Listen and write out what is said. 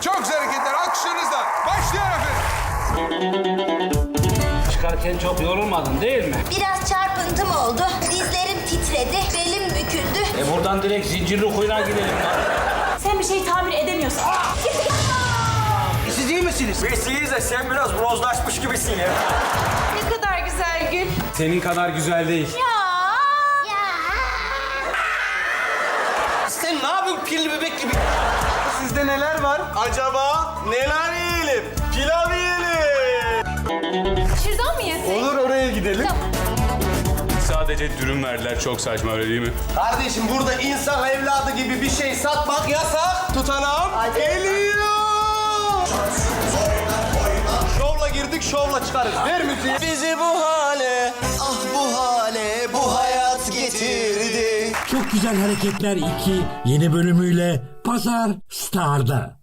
Çok güzel hareketler. Alkışlarınızla. Başlıyor efendim. Çıkarken çok yorulmadın değil mi? Biraz çarpıntım oldu. Dizlerim titredi, belim büküldü. Buradan direkt zincirli kuyruğa gidelim lan. Sen bir şey tamir edemiyorsun. Siz iyi misiniz? Biz iyiyiz de sen biraz bronzlaşmış gibisin ya. Ne kadar güzel Gül. Senin kadar güzel değil. Sen ne yapıyorsun pilli bebek gibi? Sizde neler var? Acaba neler yiyelim? Pilav yiyelim. Şuradan mı yesek? Olur, oraya gidelim. Sadece dürüm verdiler. Çok saçma, öyle değil mi? Kardeşim burada insan evladı gibi bir şey satmak yasak. Tutanağım geliyor. Şovla girdik, şovla çıkarız. Ver müziği. Bizi bu hale, ah bu hale, bu hayat getirdi. Çok Güzel Hareketler 2 yeni bölümüyle Pazar Star'da.